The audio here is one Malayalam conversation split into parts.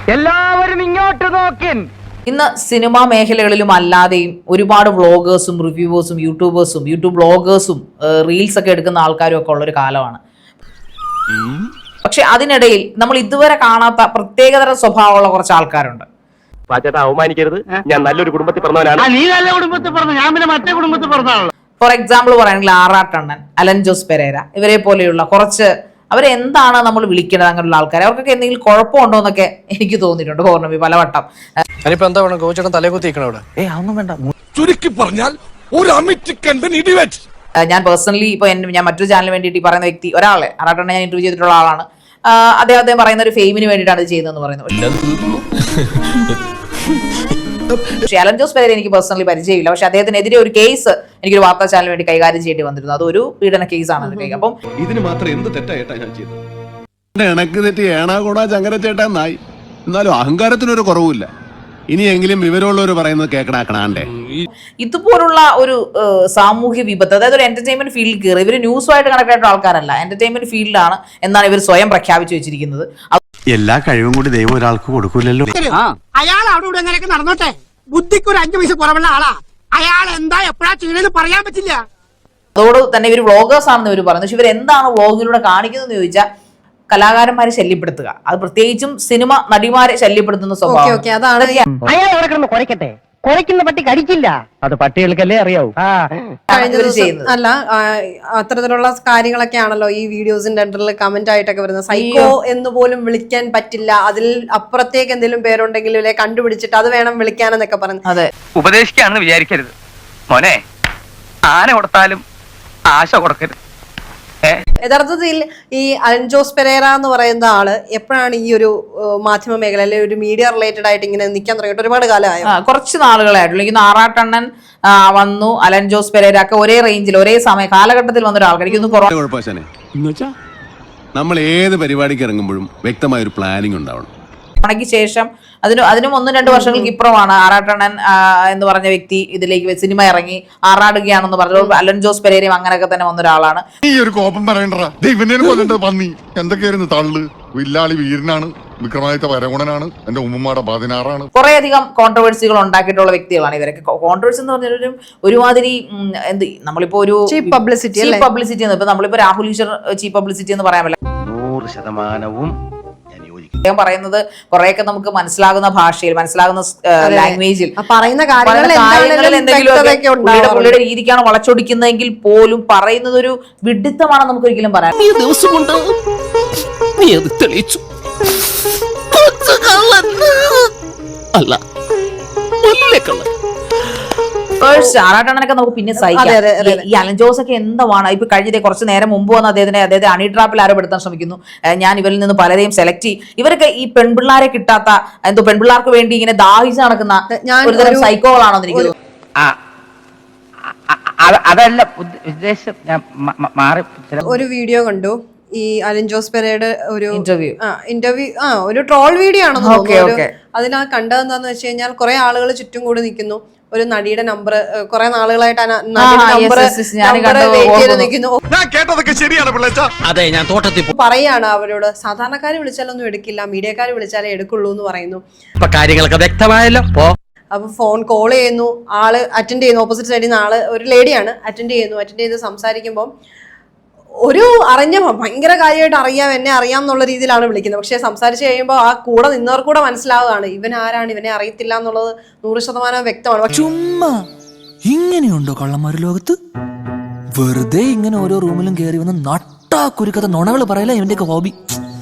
എല്ലാവരും ഇങ്ങോട്ട് നോക്കിൻ. ഇന്ന് സിനിമാ മേഖലകളിലും അല്ലാതെയും ഒരുപാട് വ്ളോഗേഴ്സും റിവ്യൂവേഴ്സും യൂട്യൂബ് ബ്ലോഗേഴ്സും റീൽസ് ഒക്കെ എടുക്കുന്ന ആൾക്കാരും ഒക്കെ ഉള്ളൊരു കാലമാണ്. പക്ഷെ അതിനിടയിൽ നമ്മൾ ഇതുവരെ കാണാത്ത പ്രത്യേകതര സ്വഭാവമുള്ള കുറച്ച് ആൾക്കാരുണ്ട്. അവമാനിക്കരുത്, ഞാൻ നല്ലൊരു കുടുംബത്തിൽ പറഞ്ഞവനാണ്. നീ നല്ല കുടുംബത്തിൽ പറഞ്ഞു, ഞാൻ പിന്നെ മറ്റേ കുടുംബത്തിൽ പറഞ്ഞാണല്ലോ. ഫോർ എക്സാമ്പിൾ പറയുകയാണെങ്കിൽ ആർ ടണ്ണൻ, അലൻ ജോസ് പെരേര, ഇവരെ പോലെയുള്ള കുറച്ച് അവരെന്താണ് നമ്മൾ വിളിക്കേണ്ടത് അങ്ങനെയുള്ള ആൾക്കാർ, അവർക്കൊക്കെ എന്തെങ്കിലും കുഴപ്പമുണ്ടോ എന്നൊക്കെ എനിക്ക് തോന്നിയിട്ടുണ്ട് പൗർണമി പലവട്ടം. ഞാൻ പേഴ്സണലി ഇപ്പൊ ഞാൻ മറ്റൊരു ചാനലിന് വേണ്ടിയിട്ട് ഈ പറയുന്ന വ്യക്തി ഒരാളെ ആറാട്ടെണ്ണ ഞാൻ ഇന്റർവ്യൂ ചെയ്തിട്ടുള്ള ആളാണ്. അദ്ദേഹം പറയുന്ന ഒരു ഫെയിമിന് വേണ്ടിയിട്ടാണ് ഇത് ചെയ്യുന്നതെന്ന് പറയുന്നത്. പക്ഷേ അലൻ ജോസ് പെരേര എനിക്ക് പേഴ്സണലി പരിചയമില്ല. പക്ഷെ അദ്ദേഹത്തിനെതിരെ ഒരു കേസ് എനിക്കൊരു വാർത്താ ചാനലിന് വേണ്ടി കൈകാര്യം ചെയ്യേണ്ടി വന്നിരുന്നു. അതൊരു പീഡന കേസാണ്. അപ്പം ഇതിന് മാത്രം എന്ത് തെറ്റായിട്ടാ ഞാൻ ചെയ്തത്? എനക്ക് തെറ്റി ഏണാകൂടാ ചങ്കരച്ചേട്ടായി. എന്നാലും അഹങ്കാരത്തിനൊരു കുറവുമില്ല. ഇനിയെങ്കിലും വിവരമുള്ളവർ പറയുന്നത് കേൾക്കണാക്കണാണ്ടേ. ഇതുപോലുള്ള ഒരു സാമൂഹ്യ വിപത്ത്, അതായത് ഒരു എന്റർടൈൻമെന്റ് ഫീൽഡിൽ കയറി ഇവർ ന്യൂസുമായിട്ട് കണക്ട് ആയിട്ടുള്ള ആൾക്കാരല്ല, എന്റർടൈൻമെന്റ് ഫീൽഡിലാണ് എന്നാണ് ഇവർ സ്വയം പ്രഖ്യാപിച്ചു വെച്ചിരിക്കുന്നത്. എല്ലാ കഴിവും കൂടി ദൈവം ഒരാൾക്ക് കൊടുക്കൂലല്ലോ. അയാൾ അവിടെ ഇവിടെ എങ്ങനെയൊക്കെ നടന്നോട്ടെ, ബുദ്ധിക്ക് ഒരു 5 പൈസ കുറവുള്ള ആളാ. അയാൾ എന്താ എപ്പോഴാ ചെയ്യണെന്ന് പറയാൻ പറ്റില്ല. അതോട് തന്നെ ഇവർ വ്ളോഗേഴ്സ് ആണെന്ന് ഇവർ പറയുന്നത്. പക്ഷെ ഇവർ എന്താണ് വ്ളോഗിലൂടെ കാണിക്കുന്നതെന്ന് ചോദിച്ചാൽ കലാകാരന്മാരെ ശല്യപ്പെടുത്തുക, അത് പ്രത്യേകിച്ചും സിനിമ നടിമാരെ ശല്യപ്പെടുത്തുന്ന സ്വഭാവം. അയാൾ അവിടെ കിടന്ന് കുരയ്ക്കട്ടെ, കുരയ്ക്കുന്ന പട്ടി കടിക്കില്ല, അത് പട്ടികൾക്കല്ലേ അറിയാവൂ. അല്ല, അത്തരത്തിലുള്ള കാര്യങ്ങളൊക്കെ ആണല്ലോ ഈ വീഡിയോസിന്റെ അണ്ടറിൽ കമന്റ് ആയിട്ടൊക്കെ വരുന്നത്. സൈക്കോ എന്ന് പോലും വിളിക്കാൻ പറ്റില്ല, അതിൽ അപ്പുറത്തേക്ക് എന്തെങ്കിലും പേരുണ്ടെങ്കിലും കണ്ടുപിടിച്ചിട്ട് അത് വേണം വിളിക്കാനെന്നൊക്കെ പറഞ്ഞു. അതെ, ഉപദേശിക്കാണെന്ന് വിചാരിക്കരുത് മോനെ, ആന കൊടുത്താലും ആശ കൊടുക്കരുത്. യഥാർത്ഥത്തിൽ ഈ അലൻ ജോസ് പെരേര എന്ന് പറയുന്ന ആള് എപ്പോഴാണ് ഈ ഒരു മാധ്യമ മേഖല അല്ലെങ്കിൽ ഒരു മീഡിയ റിലേറ്റഡ് ആയിട്ട് ഇങ്ങനെ നിൽക്കാൻ തുടങ്ങിയിട്ട്? ഒരുപാട് കാലമായോ? കുറച്ച് നാളുകളായിട്ടുള്ളൂ. എനിക്ക് ആറാട്ടണ്ണൻ വന്നു, അലൻ ജോസ് പെരേര ഒക്കെ ഒരേ റേഞ്ചിൽ ഒരേ സമയ കാലഘട്ടത്തിൽ വന്നൊരു ആൾക്കാർ. എന്നുവെച്ചാ നമ്മൾ ഏത് പരിപാടിക്ക് ഇറങ്ങുമ്പോഴും വ്യക്തമായ ഒരു പ്ലാനിങ് ഉണ്ടാവണം. ക്ക് ശേഷം അതിനും 1-2 വർഷങ്ങൾക്ക് ഇപ്പുറമാണ് ആറാട്ടണ്ണൻ എന്ന് പറഞ്ഞ വ്യക്തി ഇതിലേക്ക് സിനിമ ഇറങ്ങി ആറാടുകയാണെന്ന് പറഞ്ഞു. അലൻ ജോസ് പെരേരയും അങ്ങനെയൊക്കെ തന്നെ വന്ന ഒരാളാണ്. ഈ ഒരു കോപം പറയണ്ട, പന്നി എന്തൊക്കെയായിരുന്നു തള്ളു, വില്ലാളി വീരനാണ്, വിക്രമാദിത്യ വരഗുണനാണ്, എന്റെ ഉമ്മമാടെ 16 കുറേയധികം കോൺട്രവേഴ്സികൾ ഉണ്ടാക്കിയിട്ടുള്ള വ്യക്തികളാണ് ഇവരൊക്കെ. കോൺട്രവേഴ്സി എന്ന് പറഞ്ഞാൽ ഒരുമാതിരി നമ്മളിപ്പോ ഒരു ചീപ്പ് പബ്ലിസിറ്റി ഇപ്പൊ നമ്മളിപ്പോ രാഹുൽ ഈശ്വർ ചീപ്പ് പബ്ലിസിറ്റി എന്ന് പറയാൻ പറ്റില്ല. 100% അദ്ദേഹം പറയുന്നത് കുറെയൊക്കെ നമുക്ക് മനസ്സിലാകുന്ന ഭാഷയിൽ, മനസ്സിലാകുന്ന ലാംഗ്വേജിൽ പറയുന്ന പുള്ളിയുടെ രീതിക്കാണ് വളച്ചൊടിക്കുന്നതെങ്കിൽ പോലും പറയുന്നത് ഒരു വിഡിത്തമാണെന്ന് നമുക്ക് ഒരിക്കലും പറയാം. അല്ല, ആറാട്ടണ്ണനൊക്കെ നമുക്ക് പിന്നെ സഹിക്കാം. ഈ അലൻ ജോസ് ഒക്കെ എന്താണ് ഇപ്പൊ കഴിഞ്ഞ കുറച്ച് നേരം മുമ്പ് വന്ന് അദ്ദേഹത്തെ ഹണി ട്രാപ്പിൽ ആരോപെടുത്താൻ ശ്രമിക്കുന്നു. ഞാൻ ഇവരിൽ നിന്ന് പലരെയും സെലക്ട് ചെയ്യും. ഇവരൊക്കെ ഈ പെൺപിള്ളാരെ കിട്ടാത്ത പെൺപിള്ളാർക്ക് വേണ്ടി ഇങ്ങനെ ദാഹിച്ച് നടക്കുന്ന ഒരുതരം സൈക്കോകളാണെന്ന് എനിക്ക് തോന്നുന്നു. അതല്ല ഉദ്ദേശം. ഒരു വീഡിയോ കണ്ടു, ഈ അലൻ ജോസ് പെരേരയുടെ ഒരു ഇന്റർവ്യൂ ഒരു ട്രോൾ വീഡിയോ ആണെന്ന് തോന്നുന്നു. അതിനാ കണ്ടതെന്താന്ന് വെച്ച് കഴിഞ്ഞാൽ കുറെ ആളുകൾ ചുറ്റും കൂടി നിൽക്കുന്നു. ഒരു നടിയുടെ നമ്പർ കുറെ നാളുകളായിട്ട് പറയാണ് അവരോട്, സാധാരണക്കാര് വിളിച്ചാലൊന്നും എടുക്കില്ല, മീഡിയക്കാര് വിളിച്ചാലേ എടുക്കുള്ളൂ എന്ന് പറയുന്നു. കാര്യങ്ങളൊക്കെ വ്യക്തമായല്ലോ. അപ്പൊ ഫോൺ കോൾ ചെയ്യുന്നു, ആള് അറ്റൻഡ് ചെയ്യുന്നു. ഓപ്പോസിറ്റ് സൈഡിൽ നിന്ന് ആള് ഒരു ലേഡിയാണ്, അറ്റൻഡ് ചെയ്ത് സംസാരിക്കുമ്പോൾ ഒരു ഭയങ്കര കാര്യമായിട്ട് എന്നെ അറിയാം എന്നുള്ള രീതിയിലാണ് വിളിക്കുന്നത്. പക്ഷെ സംസാരിച്ച് കഴിയുമ്പോൾ ആ കൂടെ നിന്നവർക്ക് കൂടെ മനസ്സിലാവുകയാണ് ഇവൻ ആരാണ്, ഇവനെ അറിയത്തില്ല എന്നുള്ളത് 100% വ്യക്തമാണ്. ചുമ്മാ ഇങ്ങനെയുണ്ടോ കള്ളന്മാര് ലോകത്ത്? വെറുതെ ഇങ്ങനെ ഓരോ റൂമിലും കയറി വന്ന് നട്ടാ കുരുക്കഥ നുണകൾ പറയല ഇവന്റെയൊക്കെ ഹോബി.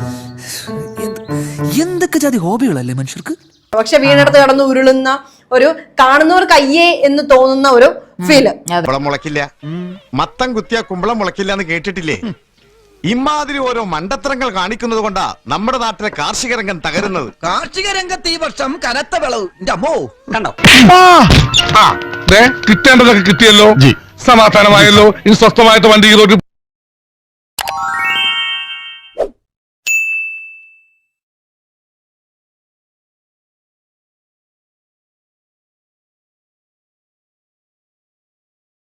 എന്തൊക്കെ ജാതി ഹോബികളല്ലേ മനുഷ്യർക്ക്. പക്ഷെ വീണെടുത്ത് കടന്ന് ഉരുളുന്ന ഒരു കാണുന്നവർക്ക് അയ്യേ എന്ന് തോന്നുന്ന ഒരു ഫീല്. മുളക്കില്ല, മത്തം കുത്തിയ കുമ്പളം മുളക്കില്ല എന്ന് കേട്ടിട്ടില്ലേ? ഇമാതിരി ഓരോ മണ്ടത്തരങ്ങൾ കാണിക്കുന്നത് കൊണ്ടാ നമ്മുടെ നാട്ടിലെ കാർഷിക രംഗം തകരുന്നത്. കാർഷിക രംഗത്ത് ഈ വർഷം കനത്ത വിളവ്. അമ്മോ കണ്ടോ, കിട്ടേണ്ടതൊക്കെ കിട്ടിയല്ലോ, സമാധാനമായല്ലോ. ഇനി സ്വസ്ഥമായിട്ട് വണ്ടി